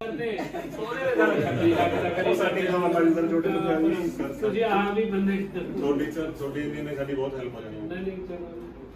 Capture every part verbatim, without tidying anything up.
ਸਾਡੀ ਹਮਾਰੀ ਸਰ ਛੋਟੇ ਤੋਂ ਆ ਜੀ ਤੁਸੀਂ ਆਪ ਵੀ ਬੰਦੇ ਛੋਟੀ ਸਰ ਛੋਟੀ ਇੰਨੀ ਨੇ ਸਾਡੀ ਬਹੁਤ ਹੈਲਪ ਹੋ ਜਾਣੀ ਨਹੀਂ ਨਹੀਂ ਚਲੋ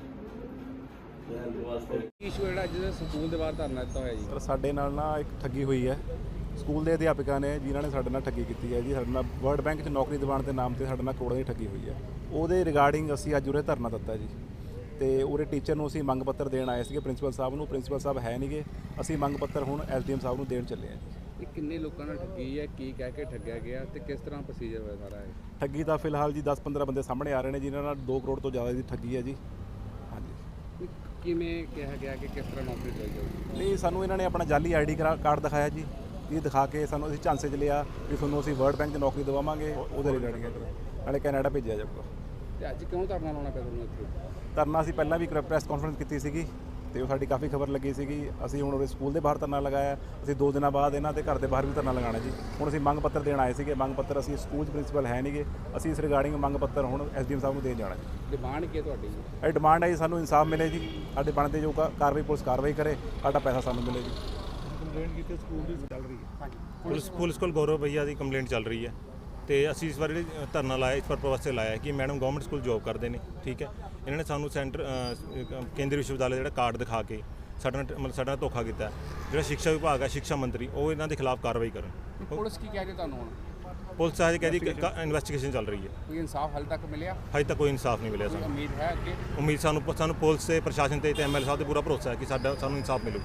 ਇਸ਼ੂ ਜਿਹੜਾ ਅੱਜ ਸਕੂਲ ਦੇ ਬਾਹਰ ਧਰਨਾ ਦਿੱਤਾ ਹੋਇਆ ਜੀ। ਸਰ ਸਾਡੇ ਨਾਲ ਨਾ ਇੱਕ ਠੱਗੀ ਹੋਈ ਹੈ। ਸਕੂਲ ਦੇ ਅਧਿਆਪਕਾਂ ਨੇ ਜਿਨ੍ਹਾਂ ਨੇ ਸਾਡੇ ਨਾਲ ਠੱਗੀ ਕੀਤੀ ਹੈ ਜੀ, ਸਾਡੇ ਨਾਲ ਵਰਲਡ ਬੈਂਕ 'ਚ ਨੌਕਰੀ ਦਿਵਾਉਣ ਦੇ ਨਾਮ ਤੇ ਸਾਡੇ ਨਾਲ ਕਰੋੜਾਂ ਦੀ ਠੱਗੀ ਹੋਈ ਹੈ। ਉਹਦੇ ਰਿਗਾਰਡਿੰਗ ਅਸੀਂ ਅੱਜ ਉਰੇ ਧਰਨਾ ਦਿੱਤਾ ਜੀ, ਤੇ ਉਰੇ ਟੀਚਰ ਨੂੰ ਅਸੀਂ ਮੰਗ ਪੱਤਰ ਦੇਣ ਆਏ ਸੀਗੇ ਪ੍ਰਿੰਸੀਪਲ ਸਾਹਿਬ ਨੂੰ। ਪ੍ਰਿੰਸੀਪਲ ਸਾਹਿਬ ਹੈ ਨਹੀਂਗੇ, ਅਸੀਂ ਮੰਗ ਪੱਤਰ ਹੁਣ ਐਸ ਡੀ ਐਮ ਸਾਹਿਬ ਨੂੰ ਦੇਣ ਚੱਲੇ ਹਾਂ ਜੀ। ਇਹ ਕਿੰਨੇ ਲੋਕਾਂ ਨਾਲ ਠੱਗੀ ਹੈ, ਕੀ ਕਹਿ ਕੇ ਠੱਗਿਆ ਗਿਆ ਤੇ ਕਿਸ ਤਰ੍ਹਾਂ ਪ੍ਰੋਸੀਜਰ ਹੋਇਆ ਸਾਰਾ ਇਹ? ਠੱਗੀ ਦਾ ਫਿਲਹਾਲ ਜੀ ਦਸ ਪੰਦਰਾਂ ਬੰਦੇ ਸਾਹਮਣੇ ਆ ਰਹੇ ਨੇ ਜਿਨ੍ਹਾਂ ਨਾਲ ਦੋ ਕਰੋੜ ਤੋਂ ਜ਼ਿਆਦਾ ਦੀ ਠੱਗੀ ਹੈ ਜੀ। ਹਾਂਜੀ, ਕਿਵੇਂ ਕਿਹਾ ਗਿਆ ਕਿ ਕਿਸ ਤਰ੍ਹਾਂ ਨੌਕਰੀ ਲਈ ਜਾਊਗੀ? ਨਹੀਂ ਸਾਨੂੰ ਇਹਨਾਂ ਨੇ ਆਪਣਾ ਜਾਲੀ ਆਈ ਡੀ ਕਾਰਡ ਦਿਖਾਇਆ ਜੀ, ਇਹ ਦਿਖਾ ਕੇ ਸਾਨੂੰ ਅਸੀਂ ਝਾਂਸੇ 'ਚ ਲਿਆ ਵੀ ਤੁਹਾਨੂੰ ਅਸੀਂ ਵਰਲਡ ਬੈਂਕ 'ਚ ਨੌਕਰੀ ਦਿਵਾਵਾਂਗੇ, ਉਹਦੇ ਰਿਗਾਰਡਿੰਗ ਨਾਲੇ ਕੈਨੇਡਾ ਭੇਜਿਆ ਜਾਊਗਾ। ਤੇ ਅੱਜ ਕਿਉਂ ਧਰਨਾ ਲਾਉਣਾ ਪਿਆ ਤੁਹਾਨੂੰ ਇੱਥੇ? ਧਰਨਾ ਅਸੀਂ ਪਹਿਲਾਂ ਵੀ ਪ੍ਰੈਸ ਕਾਨਫਰੰਸ ਕੀਤੀ ਸੀਗੀ ਤੇ ਉਹ ਸਾਡੀ ਕਾਫੀ ਖਬਰ ਲੱਗੀ ਸੀਗੀ। ਅਸੀਂ ਹੁਣ ਉਹਦੇ ਸਕੂਲ ਦੇ ਬਾਹਰ ਧਰਨਾ ਲਗਾਇਆ, ਅਸੀਂ ਦੋ ਦਿਨਾਂ ਬਾਅਦ ਇਹਨਾਂ ਦੇ ਘਰ ਦੇ ਬਾਹਰ ਵੀ ਧਰਨਾ ਲਗਾਉਣਾ ਜੀ। ਹੁਣ ਅਸੀਂ ਮੰਗ ਪੱਤਰ ਦੇਣ ਆਏ ਸੀਗੇ, ਮੰਗ ਪੱਤਰ ਅਸੀਂ ਸਕੂਲ 'ਚ ਪ੍ਰਿੰਸੀਪਲ ਹੈ ਨਹੀਂਗੇ, ਅਸੀਂ ਇਸ ਰਿਗਾਰਡਿੰਗ ਮੰਗ ਪੱਤਰ ਹੁਣ ਐਸ ਡੀ ਐਮ ਸਾਹਿਬ ਨੂੰ ਦੇਣ ਜਾਣਾ ਜੀ। ਡਿਮਾਂਡ ਕੀ ਹੈ ਤੁਹਾਡੀ? ਇਹ ਡਿਮਾਂਡ ਹੈ ਜੀ ਸਾਨੂੰ ਇਨਸਾਫ ਮਿਲੇ ਜੀ, ਸਾਡੇ ਬਣਦੇ ਜੋ ਕਾਰਵਾਈ ਪੁਲਿਸ ਕਾਰਵਾਈ ਕਰੇ, ਸਾਡਾ ਪੈਸਾ ਸਾਨੂੰ ਮਿਲੇ ਜੀ। ਕੰਪਲੇਂਟ ਕੀਤੀ ਸਕੂਲ ਦੀ ਚੱਲ ਰਹੀ ਹੈ। ਪੁਲਿਸ ਪੁਲਿਸ ਕੋਲ ਗੌਰਵ ਭਈਆ ਦੀ ਕੰਪਲੇਂਟ ਚੱਲ ਰਹੀ ਹੈ ਤੇ ਅਸੀਂ ਇਸ ਵਾਰ ਜਿਹੜੀ ਧਰਨਾ ਲਾਇਆ ਇਸ ਪਰਪਸ ਵਾਸਤੇ ਲਾਇਆ ਕਿ ਮੈਡਮ ਗਵਰਨਮੈਂਟ ਸਕੂਲ ਜੋਬ ਕਰਦੇ ਨੇ, ਠੀਕ ਹੈ। ਇਹਨਾਂ ਨੇ ਸਾਨੂੰ ਸੈਂਟਰ ਕੇਂਦਰੀ ਵਿਸ਼ਵਵਿਦਿਆਲਾ ਜਿਹੜਾ ਕਾਰਡ ਦਿਖਾ ਕੇ ਸਾਡੇ ਨਾਲ ਮਤਲਬ ਸਾਡੇ ਨਾਲ ਧੋਖਾ ਕੀਤਾ। ਜਿਹੜਾ ਸਿੱਖਿਆ ਵਿਭਾਗ ਹੈ, ਸਿੱਖਿਆ ਮੰਤਰੀ, ਉਹ ਇਹਨਾਂ ਦੇ ਖਿਲਾਫ ਕਾਰਵਾਈ ਕਰਨ। ਪੁਲਿਸ ਕੀ ਕਹਿ ਰਹੀ ਤੁਹਾਨੂੰ ਹੁਣ? ਪੁਲਿਸ ਅੱਜ ਕਹਿੰਦੀ ਇਨਵੈਸਟੀਗੇਸ਼ਨ ਚੱਲ ਰਹੀ ਹੈ। ਕੋਈ ਇਨਸਾਫ ਹਾਲੇ ਤੱਕ ਮਿਲਿਆ? ਹਜੇ ਤੱਕ ਕੋਈ ਇਨਸਾਫ ਨਹੀਂ ਮਿਲਿਆ ਸਾਨੂੰ। ਉਮੀਦ ਹੈ ਅੱਗੇ? ਉਮੀਦ ਸਾਨੂੰ ਸਾਨੂੰ ਪੁਲਿਸ ਤੇ ਪ੍ਰਸ਼ਾਸਨ ਤੇ ਤੇ ਐਮ ਐਲ ਸਾਹਿਬ ਤੇ ਪੂਰਾ ਭਰੋਸਾ ਹੈ ਕਿ ਸਾਡਾ ਸਾਨੂੰ ਇਨਸਾਫ ਮਿਲੂ।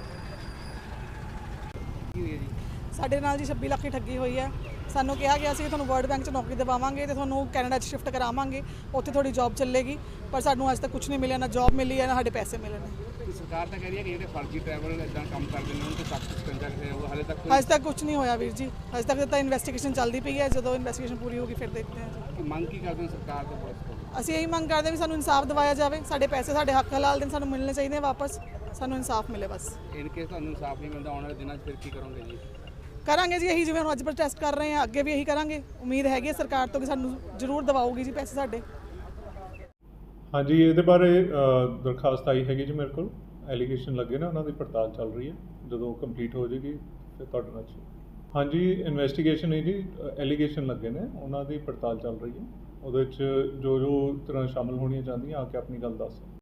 ਕੀ ਹੋਈ ਹੈ ਜੀ? ਸਾਡੇ ਨਾਲ ਜੀ ਛੱਬੀ ਲੱਖ ਦੀ ਠੱਗੀ ਹੋਈ ਹੈ। ਸਾਨੂੰ ਕਿਹਾ ਗਿਆ ਸੀ ਕਿ ਤੁਹਾਨੂੰ ਵਰਲਡ ਬੈਂਕ 'ਚ ਨੌਕਰੀ ਦਿਵਾਵਾਂਗੇ ਤੇ ਤੁਹਾਨੂੰ ਕੈਨੇਡਾ 'ਚ ਸ਼ਿਫਟ ਕਰਾਵਾਂਗੇ, ਉੱਥੇ ਤੁਹਾਡੀ ਜੌਬ ਚੱਲੇਗੀ, ਪਰ ਸਾਨੂੰ ਅੱਜ ਤੱਕ ਕੁਝ ਨਹੀਂ ਮਿਲਿਆ, ਨਾ ਜੌਬ ਮਿਲੀ ਹੈ ਨਾ ਸਾਡੇ ਪੈਸੇ ਮਿਲੇ ਨੇ। ਸਰਕਾਰ ਤਾਂ ਕਹਿ ਰਹੀ ਹੈ ਕਿ ਜਿਹੜੇ ਫਰਜ਼ੀ ਟਰੈਵਲ ਇਦਾਂ ਕੰਮ ਕਰਦੇ ਨੇ ਉਹਨਾਂ ਤੇ ਸਖਤ ਸਟੈਂਡਰਡ ਹੈ, ਉਹ ਹਾਲੇ ਤੱਕ ਅੱਜ ਤੱਕ ਕੁਝ ਨਹੀਂ ਹੋਇਆ ਵੀਰ ਜੀ, ਅੱਜ ਤੱਕ ਤਾਂ ਇਨਵੈਸਟੀਗੇਸ਼ਨ ਚੱਲਦੀ ਪਈ ਹੈ। ਜਦੋਂ ਇਨਵੈਸਟੀਗੇਸ਼ਨ ਪੂਰੀ ਹੋਗੀ ਫਿਰ ਦੇਖਦੇ ਹਾਂ ਜੀ। ਕੀ ਮੰਗ ਕੀ ਕਰਦੇ ਨੇ ਸਰਕਾਰ ਤੇ ਪੁਲਿਸ ਤੋਂ? ਅਸੀਂ ਇਹੀ ਮੰਗ ਕਰਦੇ ਵੀ ਸਾਨੂੰ ਇਨਸਾਫ ਦਿਵਾਇਆ ਜਾਵੇ, ਸਾਡੇ ਪੈਸੇ ਸਾਡੇ ਹੱਕ ਹਲਾਲ ਦੇ ਸਾਨੂੰ ਮਿਲਣੇ ਚਾਹੀਦੇ ਵਾਪਸ, ਸਾਨੂੰ ਇਨਸਾਫ ਮਿਲੇ ਬਸ। ਇਨ ਕੇਸ ਤੁਹਾਨੂੰ ਇਨਸਾਫ ਨਹੀਂ ਮਿਲਦਾ ਆਉਣ ਵਾਲੇ ਦਿਨਾਂ 'ਚ ਫਿਰ ਕੀ ਕਰੋਗੇ ਜੀ? ਕਰਾਂਗੇ ਜੀ ਇਹੀ ਜਿਵੇਂ ਹੁਣ ਅੱਜ ਪ੍ਰੋਟੈਸਟ ਕਰ ਰਹੇ ਹਾਂ, ਅੱਗੇ ਵੀ ਇਹੀ ਕਰਾਂਗੇ। ਉਮੀਦ ਹੈਗੀ ਹੈ ਸਰਕਾਰ ਤੋਂ ਕਿ ਸਾਨੂੰ ਜ਼ਰੂਰ ਦਿਵਾਓਗੀ ਜੀ ਪੈਸੇ ਸਾਡੇ। ਹਾਂਜੀ, ਇਹਦੇ ਬਾਰੇ ਦਰਖਾਸਤ ਆਈ ਹੈਗੀ ਜੀ ਮੇਰੇ ਕੋਲ, ਐਲੀਗੇਸ਼ਨ ਲੱਗੇ ਨੇ, ਉਹਨਾਂ ਦੀ ਪੜਤਾਲ ਚੱਲ ਰਹੀ ਹੈ। ਜਦੋਂ ਕੰਪਲੀਟ ਹੋ ਜਾਏਗੀ ਫਿਰ ਤੁਹਾਡੇ ਨਾਲ। ਹਾਂਜੀ, ਇਨਵੈਸਟੀਗੇਸ਼ਨ ਹੈ ਜੀ, ਐਲੀਗੇਸ਼ਨ ਲੱਗੇ ਨੇ, ਉਹਨਾਂ ਦੀ ਪੜਤਾਲ ਚੱਲ ਰਹੀ ਹੈ। ਉਹਦੇ ਵਿੱਚ ਜੋ ਜੋ ਤਰ੍ਹਾਂ ਸ਼ਾਮਲ ਹੋਣੀਆਂ ਚਾਹੁੰਦੀਆਂ ਆ ਕੇ ਆਪਣੀ ਗੱਲ ਦੱਸ।